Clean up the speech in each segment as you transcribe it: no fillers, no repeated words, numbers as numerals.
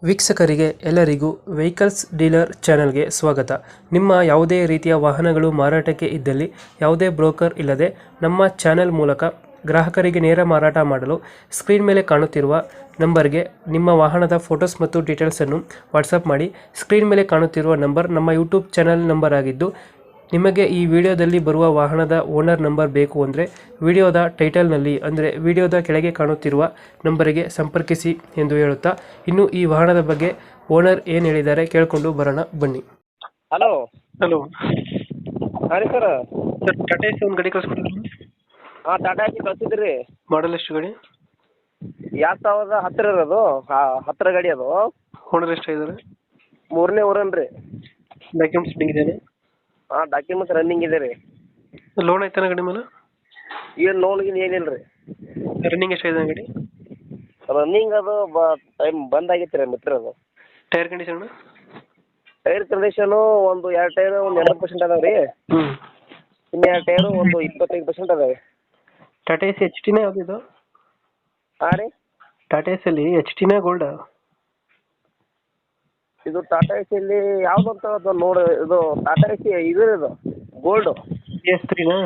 ವೀಕ್ಷಕರಿಗೆ ಎಲ್ಲರಿಗೂ vehicles dealer ಚಾನೆಲ್ಗೆ ಸ್ವಾಗತ. ನಿಮ್ಮ ಯಾವುದೇ ರೀತಿಯ ವಾಹನಗಳು ಮಾರಾಟಕ್ಕೆ ಇದ್ದಲ್ಲಿ ಯಾವುದೇ ಬ್ರೋಕರ್ ಇಲ್ಲದೆ ನಮ್ಮ ಚಾನೆಲ್ ಮೂಲಕ ಗ್ರಾಹಕರಿಗೆ ನೇರ ಮಾರಾಟ ಮಾಡಲು ಸ್ಕ್ರೀನ್ ಮೇಲೆ ಕಾಣುತ್ತಿರುವ ನಂಬರ್ಗೆ ನಿಮ್ಮ ವಾಹನದ ಫೋಟೋಸ್ ಮತ್ತು ಡೀಟೇಲ್ಸನ್ನು ವಾಟ್ಸಪ್ ಮಾಡಿ. ಸ್ಕ್ರೀನ್ ಮೇಲೆ ಕಾಣುತ್ತಿರುವ ನಂಬರ್ ನಮ್ಮ ಯೂಟ್ಯೂಬ್ ಚಾನೆಲ್ ನಂಬರ್ ಆಗಿದ್ದು, ನಿಮಗೆ ಈ ವಿಡಿಯೋದಲ್ಲಿ ಬರುವ ವಾಹನದ ಓನರ್ ನಂಬರ್ ಬೇಕು ಅಂದರೆ ವಿಡಿಯೋದ ಟೈಟಲ್ನಲ್ಲಿ ಅಂದರೆ ವಿಡಿಯೋದ ಕೆಳಗೆ ಕಾಣುತ್ತಿರುವ ನಂಬರಿಗೆ ಸಂಪರ್ಕಿಸಿ ಎಂದು ಹೇಳುತ್ತಾ, ಇನ್ನು ಈ ವಾಹನದ ಬಗ್ಗೆ ಓನರ್ ಏನು ಹೇಳಿದ್ದಾರೆ ಕೇಳಿಕೊಂಡು ಬರೋಣ ಬನ್ನಿ. ಹಲೋ ಹಲೋ ಹಾಂ ರೀ ಸರ್. ಸರ್, ಟಾಟಾ ಎಸಿ ಒಂದು ಗಾಡಿ ಕಳಿಸ್ಕೊಡಿದ್ರು. ಹಾಂ ಟಾಟಾ ಎಸಿ ಕಳ್ಸಿದ್ರಿ ರೀ. ಮಾಡಲ್ ಎಷ್ಟು ಗಾಡಿ? 2010 ಇರೋದು. ಹತ್ತರ ಗಾಡಿ ಅದು. ಓನರ್ ಎಷ್ಟಾಗಿದ್ದಾರೆ? 3ನೇ ಓರನ್ ರೀ. ಡಾಕ್ಯುಮೆಂಟ್ಸ್ ಇದೆಯಾ? ಹಾಂ ಡಾಕ್ಯುಮೆಂಟ್ಸ್ ರನ್ನಿಂಗ್ ಇದೆ ರೀ. ಲೋನ್ ಐತಾನ ಗಾಡಿ ಮೇಲೆ? ಏನು ಲೋನ್ಗಿನ್ ಏನಿಲ್ಲ ರೀ. ರನ್ನಿಂಗ್ ಎಷ್ಟಾಗಿದೆ ಗಾಡಿ? ರನ್ನಿಂಗ್ ಅದು ಟೈಮ್ ಬಂದಾಗಿತ್ತು ರೀ ಮಿತ್ರ ಅದು. Tyre condition? ಟೈರ್ ಕಂಡೀಷನು ಒಂದು 2 ಟೈರು ಒಂದು 80% ಅದಾವೆ ರೀ. ಇನ್ನು 2 ಟೈರು ಒಂದು 25% ಅದಾವೆ. ಟಾಟಾ ಎಸಿ ಎಚ್ ಟಿನೇ ಯಾವುದಿದು? ಹಾಂ ರೀ. ಟಾಟಾ ಎಸಿಯಲ್ಲಿ ಎಚ್ ಟಿನೇ ಗೋಲ್ಡ್? ಇದು ಟಾಟಾ ಎಸಿಯಲ್ಲಿ ಯಾವುದು ಅಂತ ಅದು ನೋಡಿ. ಇದು ಟಾಟಾ ಎಸಿ ಇದು ಗೋಲ್ಡು. BS3ನಾ?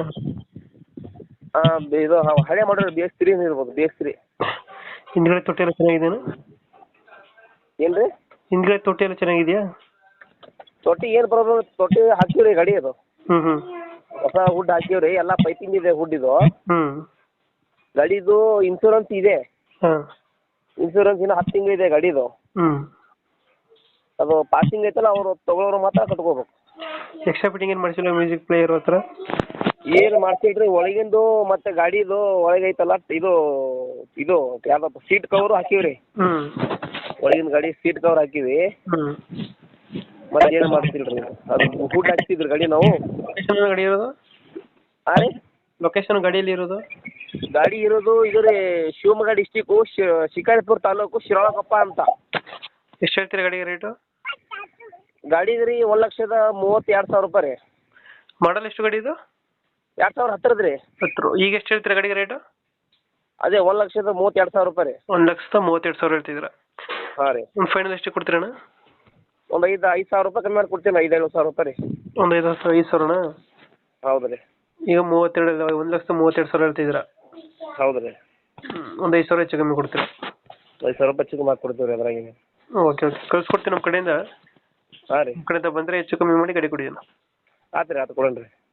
ಇದು ಹಳೆ ಮಾಡಲ್ BS3 ಇರ್ಬೋದು. BS3 ಹಿಂದ್ಗಡೆ ತೊಟ್ಟಿ ಎಲ್ಲ ಚೆನ್ನಾಗಿದೆಯಾ? ಏನು ರೀ? ಹಿಂದ್ಗಡೆ ತೊಟ್ಟಿ ಎಲ್ಲ ಚೆನ್ನಾಗಿದೆಯಾ? ತೊಟ್ಟಿ ಏನು ಪ್ರಾಬ್ಲಮ್? ತೊಟ್ಟಿ ಹಾಕಿವ್ರಿ ಗಾಡಿ ಅದು. ಹ್ಞೂ ಹೊಸ ಹುಡ್ ಹಾಕಿವ್ರಿ. ಎಲ್ಲ ಪೈಪಿಂಗ್ ಇದೆ ಹುಡ್ ಇದು. ಹ್ಞೂ ಗಾಡಿದು ಇನ್ಶೂರೆನ್ಸ್ ಇದೆ. ಹಾಂ. ಇನ್ಶೂರೆನ್ಸ್ ಇನ್ನು 10 ತಿಂಗಳು ಇದೆ ಗಾಡಿದು. ಹ್ಞೂ. ಅದು ಪಾಸಿಂಗ್ ಐತಲ್ಲ, ಅವರು ತಗೊಳ್ಳೋರು ಮಾತ್ರ ಕಟ್ಕೋಬೇಕು. ಎಕ್ಸ್ಟ್ರಾ ಫಿಟ್ಟಿಂಗ್ ಏನು ಮಾಡಿಸಿಲ್ಲ? ಮ್ಯೂಸಿಕ್ ಪ್ಲೇಯರ್ ಹತ್ರ ಏನು ಮಾಡ್ಸಿಲ್ರಿ. ಒಳಗಿಂದು ಮತ್ತೆ ಗಾಡಿದು ಒಳಗೈತಲ್ಲ ಇದು ಇದು ಯಾವ್ದಪ್ಪ ಸೀಟ್ ಕವರು ಹಾಕಿವ್ರಿ. ಹ್ಞೂ. ಒಳಗಿನ ಗಾಡಿ ಸೀಟ್ ಕವರ್ ಹಾಕಿವಿ. ಹ್ಞೂ. ಮತ್ತೆ ಏನು ಮಾಡ್ತಿಲ್ರಿ. ಅದು ಹುಡ್ ಹಾಕ್ತಿದ್ರಿ ಗಾಡಿ ನಾವು. ಲೊಕೇಶನ್ ಗಾಡಿ ಇರೋದು? ಹಾಂ ರೀ. ಲೊಕೇಶನ್ ಗಾಡಿಯಲ್ಲಿ ಇರೋದು? ಗಾಡಿ ಇರೋದು ಇದು ರೀ ಶಿವಮೊಗ್ಗ ಡಿಸ್ಟಿಕ್ಕು ಶಿಕಾರಿಪುರ ತಾಲೂಕು ಶಿರಾಳಕೊಪ್ಪ ಅಂತ. ಎಷ್ಟು ಹೇಳ್ತೀರಾ ಗಾಡಿಗೆ ರೇಟು? ಗಾಡಿದು ರೀ 1,32,000 ರೂಪಾಯಿ ರೀ. ಮಾಡಲ್ ಎಷ್ಟು ಗಾಡಿ ಇದು? 2010 ರೀ. 10. ಈಗ ಎಷ್ಟು ಹೇಳ್ತೀರಾ ಗಾಡಿಗೆ ರೇಟು? ಅದೇ 1,32,000 ರೂಪಾಯಿ ರೀ. 1,32,000 ಹೇಳ್ತಿದ್ದೀರಾ? ಹಾಂ ರೀ. ಒಂದು ಫೈನಲ್ ಎಷ್ಟು ಕೊಡ್ತೀರಣ್ಣ? ಒಂದು 5,000 ರೂಪಾಯಿ ಕಮ್ಮಿ ಮಾಡಿ ಕೊಡ್ತೀನಿ. 5,000 ರೂಪಾಯಿ ರೀ. ಒಂದು 5,000? ಹೌದು ರೀ. ಈಗ 32 1,32,000 ಹೇಳ್ತಿದ್ದೀರಾ? ಹೌದು ರೀ. ಒಂದು 5,000 ಹೆಚ್ಚು ಕಮ್ಮಿ ಕೊಡ್ತೀರಾ? 5,000 ರೂಪಾಯಿ ಚಿಕ್ಕ ಮಾಡಿ ಕೊಡ್ತೀವಿ ರೀ ಅದ್ರಾಗೇನೆ. ಓಕೆ ಕಳ್ಸ್ಕೊಡ್ತೀನಿ ನಮ್ಮ ಕಡೆಯಿಂದ. ಹಾಂ ರೀ. ನಮ್ಮ ಕಡೆಯಿಂದ ಬಂದರೆ ಹೆಚ್ಚು ಕಮ್ಮಿ ಮಾಡಿ ಗಾಡಿ ಕೊಡಿ. ಆಯ್ತು ರೀ, ಆಯ್ತು ಕೊಡೋಣ ರೀ.